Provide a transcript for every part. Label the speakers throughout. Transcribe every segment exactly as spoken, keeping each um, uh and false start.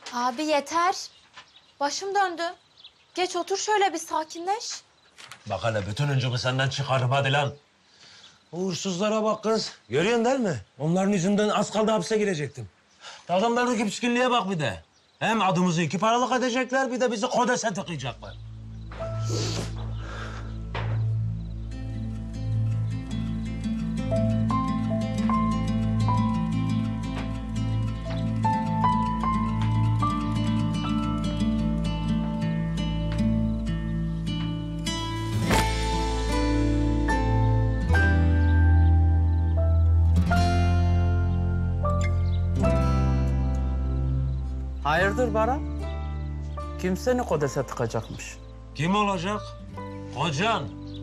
Speaker 1: Abi yeter. Başım döndü. Geç otur şöyle bir sakinleş.
Speaker 2: Bak hele bütün öncümü senden çıkarım hadi lan. Uğursuzlara bak kız. Görüyorsun değil mi? Onların yüzünden az kaldı hapse girecektim. Adamlardaki pişkinliğe bak bir de. Hem adımızı iki paralık edecekler bir de bizi kodese tıkayacaklar.
Speaker 3: Hayırdır Baran? Kim seni kodese tıkacakmış?
Speaker 2: Kim olacak? Kocan.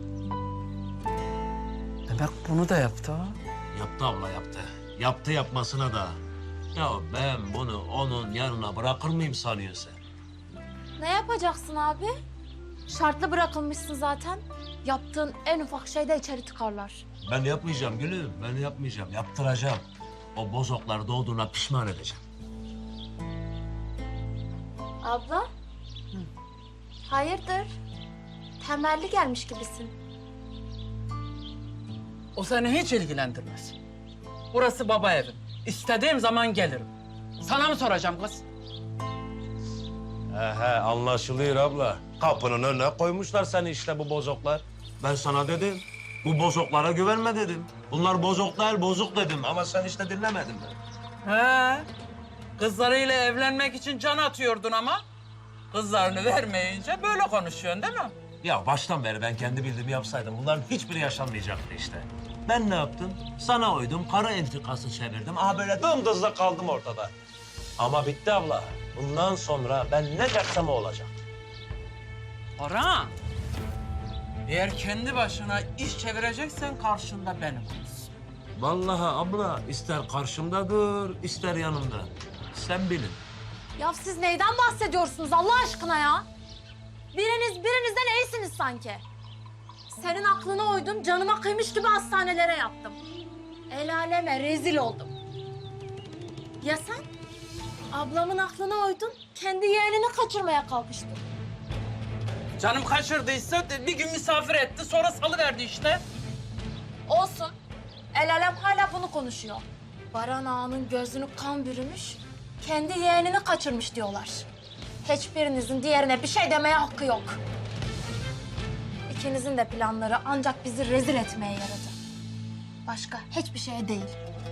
Speaker 3: Demek bunu da yaptı ha?
Speaker 2: Yaptı abla yaptı. Yaptı yapmasına da. Ya ben bunu onun yanına bırakır mıyım sanıyorsun sen?
Speaker 1: Ne yapacaksın abi? Şartlı bırakılmışsın zaten. Yaptığın en ufak şeyde içeri tıkarlar.
Speaker 2: Ben yapmayacağım gülüm. Ben yapmayacağım. Yaptıracağım. O bozoklar doğduğuna pişman edeceğim.
Speaker 1: Abla? Hayırdır? Temelli gelmiş gibisin.
Speaker 3: O seni hiç ilgilendirmez. Burası baba evim. İstediğim zaman gelirim. Sana mı soracağım kız?
Speaker 2: He he anlaşılıyor abla. Kapının önüne koymuşlar seni işte bu bozoklar. Ben sana dedim. Bu bozoklara güvenme dedim. Bunlar bozok değil bozuk dedim ama sen işte dinlemedin beni.
Speaker 3: He. Kızlarıyla evlenmek için can atıyordun ama kızlarını vermeyince böyle konuşuyorsun değil mi?
Speaker 2: Ya baştan beri ben kendi bildiğimi yapsaydım bunların hiçbiri yaşanmayacaktı işte. Ben ne yaptım? Sana uydum, kara entrikası çevirdim. Aha böyle dımdızla kaldım ortada. Ama bitti abla. Bundan sonra ben ne dersem o olacak.
Speaker 3: Orhan. Eğer kendi başına iş çevireceksen karşında benim olsun.
Speaker 2: Vallahi abla ister karşımda dur, ister yanımda. Sen bilin.
Speaker 1: Ya siz neyden bahsediyorsunuz Allah aşkına ya? Biriniz birinizden iyisiniz sanki. Senin aklına uydum, canıma kıymış gibi hastanelere yattım. El aleme rezil oldum. Ya sen? Ablamın aklına uydun, kendi yeğenini kaçırmaya kalkıştın.
Speaker 3: Canım kaçırdıysa bir gün misafir etti sonra salıverdi işte.
Speaker 1: Olsun. El alem hala bunu konuşuyor. Baran ağanın gözünü kan bürümüş, kendi yeğenini kaçırmış diyorlar. Hiçbirinizin diğerine bir şey demeye hakkı yok. İkinizin de planları ancak bizi rezil etmeye yaradı. Başka hiçbir şeye değil.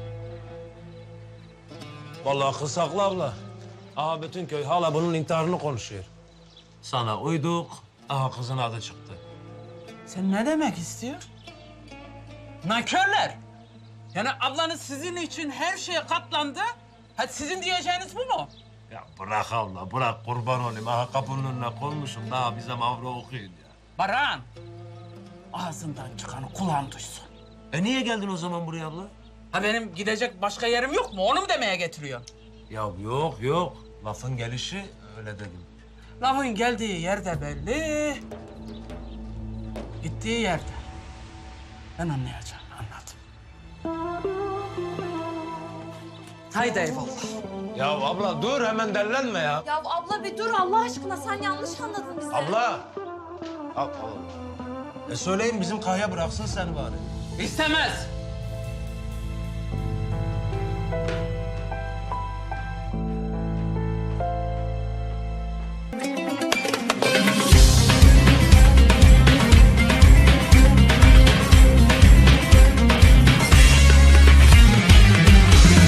Speaker 2: Vallahi kız haklı abla. Aha bütün köy hala bunun intiharını konuşuyor. Sana uyduk, aha kızın adı çıktı.
Speaker 3: Sen ne demek istiyorsun? Nankörler! Yani ablanız sizin için her şeye katlandı. Hadi sizin diyeceğiniz bu mu?
Speaker 2: Ya bırak abla, bırak kurban olayım. Aha kapının önüne koymuşum, daha bize mavra okuyun ya.
Speaker 3: Baran, ağzından çıkanı kulağım duysun.
Speaker 2: E niye geldin o zaman buraya abla?
Speaker 3: Ha benim gidecek başka yerim yok mu? Onu mu demeye getiriyorsun?
Speaker 2: Ya yok yok, lafın gelişi öyle dedim.
Speaker 3: Lafın geldiği yerde belli. Gittiği yerde. Ben anlayacağım, anladım. Haydi eyvallah.
Speaker 2: Ya abla dur hemen dellenme ya.
Speaker 1: Ya abla bir dur Allah aşkına, sen yanlış anladın bizi.
Speaker 2: Abla. Abla. E söyleyin bizim Kahya bıraksın seni bari.
Speaker 3: İstemez.